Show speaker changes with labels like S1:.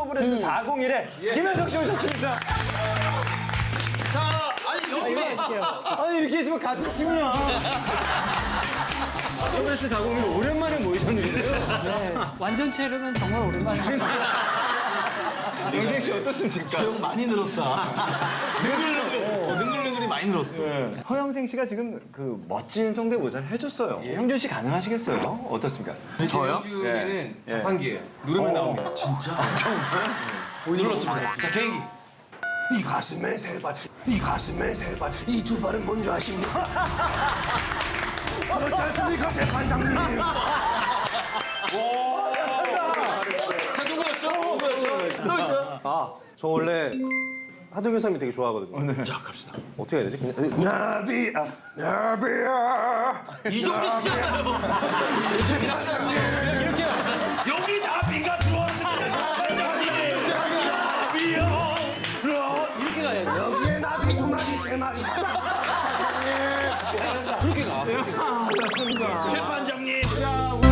S1: 더블S 401에 김현석 씨 오셨습니다.
S2: 자, 아니 여기
S1: 아니 이렇게 있으면 같은 팀이야. 더블S 401 오랜만에 모이셨는데요.
S3: 완전체로는 정말 오랜만에.
S1: 영생 씨 어떻습니까?
S2: 형 많이 늘었어. 능글능글이 많이 늘었어.
S1: 허영생 씨가 지금 그 멋진 성대모사를 해줬어요. 형준 씨 가능하시겠어요? 어떻습니까?
S2: 저요?
S4: 주에는
S1: 예.
S4: 자판기예요. 누르면 나옵니다.
S2: 진짜? 눌렀습니다. 자, 개인기.
S5: 이 가슴에 세 발, 이 가슴에 세 발, 이 두 발은 뭔지 아십니까? 그렇지 않습니까, 재판장님?
S2: 자, 누구였죠? 또 있어요?
S5: 아, 저 원래 하동현 선생님 되게 좋아하거든요.
S2: 자, 갑시다.
S5: 어떻게 해야 되지? 그냥 나비야, 나비야.
S2: 이 정도 시잖아요. 이렇게 여기 나비가 들어왔습니다. 나비요. 이렇게 가야지.
S5: 여기에 나비 두 마리, 세 마리.
S2: 그렇게 가.
S1: 아,
S2: 재판장님.
S1: 자,